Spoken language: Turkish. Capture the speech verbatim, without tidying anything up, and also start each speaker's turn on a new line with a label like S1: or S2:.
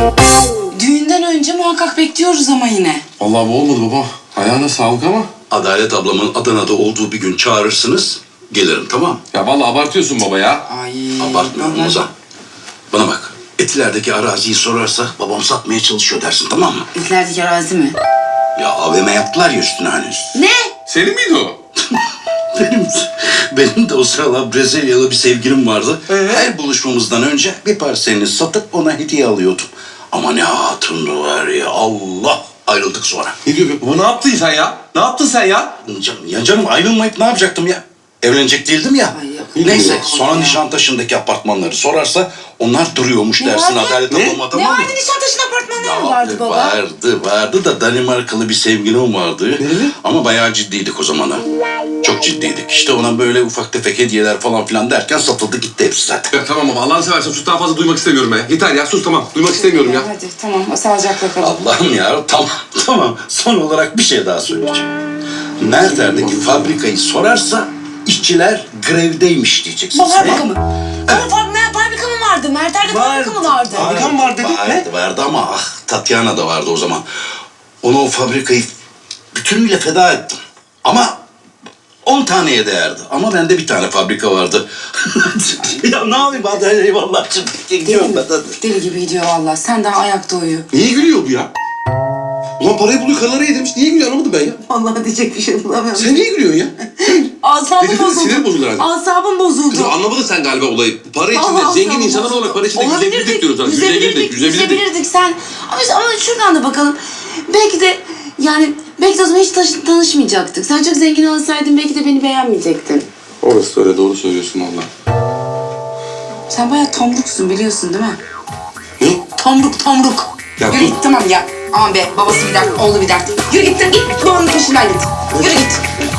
S1: Düğünden önce muhakkak bekliyoruz ama yine.
S2: Vallahi bu olmadı baba. Ayağına sağlık ama.
S3: Adalet ablamın Adana'da olduğu bir gün çağırırsınız. Gelirim, tamam.
S2: Ya vallahi abartıyorsun baba ya.
S1: Ay.
S3: Abartmıyorum
S1: vallahi-
S3: Ozan. Bana bak. Etilerdeki araziyi sorarsa babam satmaya çalışıyor dersin, tamam mı?
S1: İlklerdeki arazi mi?
S3: Ya A V M yaptılar ya üstüne hani.
S1: Ne?
S2: Senin miydi o?
S3: Benim, benim de o sıralar Brezilyalı bir sevgilim vardı. Her buluşmamızdan önce bir parselini satıp ona hediye alıyordum. Ama ne hatundu var ya, Allah! Ayrıldık sonra.
S2: Ne diyor baba, ne yaptın sen ya? Ne yaptın sen ya?
S3: Canım, ya canım ayrılmayıp ne yapacaktım ya? Evlenecek değildim ya.
S1: Ay yok.
S3: Neyse,
S1: Yok
S3: sonra
S1: ya.
S3: Nişantaşı'ndaki apartmanları sorarsa onlar duruyormuş
S1: Ne
S3: dersin
S1: vardı?
S3: Adalet
S2: Ne?
S3: ablama,
S1: Ne
S3: tamam mı?
S1: vardı Nişantaşı'nın apartmanları mı
S3: Ya,
S1: vardı baba?
S3: Vardı, vardı da Danimarkalı bir sevgilim vardı.
S2: Nereli?
S3: Ama bayağı ciddiydik o zaman ha. Çok ciddiydik. İşte ona böyle ufak tefek hediyeler falan filan derken satıldı gitti hepsi zaten.
S2: Ya tamam baba, Allah'ını seversen sus, daha fazla duymak istemiyorum ben. Yeter ya, sus tamam. Duymak istemiyorum ya.
S1: Hadi tamam sağlıcakla kalın.
S3: Allah'ım ya, tamam tamam. Son olarak bir şey daha söyleyeceğim. Merter'deki fabrikayı sorarsa işçiler grevdeymiş diyeceksiniz.
S1: Bu fabrika mı? Ama fab- fabrika mı vardı? Merter'de fabrika mı vardı?
S2: Fabrika mı var dedin?
S3: Vardı,
S2: Ne?
S3: vardı ama ah Tatyana da vardı o zaman. Ona o fabrikayı bütünüyle feda ettim. Ama on taneye değerdi. Ama bende bir tane fabrika vardı. Ya ne yapayım hadi eyvallah. Şimdi
S1: Deli,
S3: gidiyorum ben hadi.
S1: deli gibi gidiyor valla. Sen daha ayakta uyu.
S2: Niye gülüyor bu ya? Ulan parayı buluyor, karılara yedirmiş. Niye gülüyor anlamadım ben ya.
S1: Vallahi diyecek bir şey bulamıyorum.
S2: Sen niye gülüyorsun ya?
S1: Asabım
S2: Dedim,
S1: bozuldu.
S2: sinir bozuldu herhalde.
S1: Asabım bozuldu.
S2: Kızım anlamadın sen galiba olayı. Para içinde,
S1: Allah
S2: zengin
S1: Allah,
S2: insanlar
S1: Allah.
S2: olarak para içinde
S1: Olabilirdik,
S2: yüzebilirdik diyoruz sana.
S1: Yüzebilirdik,
S2: yüzebilirdik.
S1: yüzebilirdik sen. Ama, ama şuradan da bakalım. Belki de yani belki de o zaman hiç taş- tanışmayacaktık. Sen çok zengin olsaydın belki de beni beğenmeyecektin.
S2: Orası öyle, doğru söylüyorsun valla.
S1: Sen bayağı tomruksun biliyorsun değil mi?
S2: Ne?
S1: Tomruk tomruk.
S2: Ya
S1: Yürü
S2: dur.
S1: git tamam ya. Aman be babası bir dert, oğlu bir dert. Yürü git, git babanın peşinden git. Yürü git.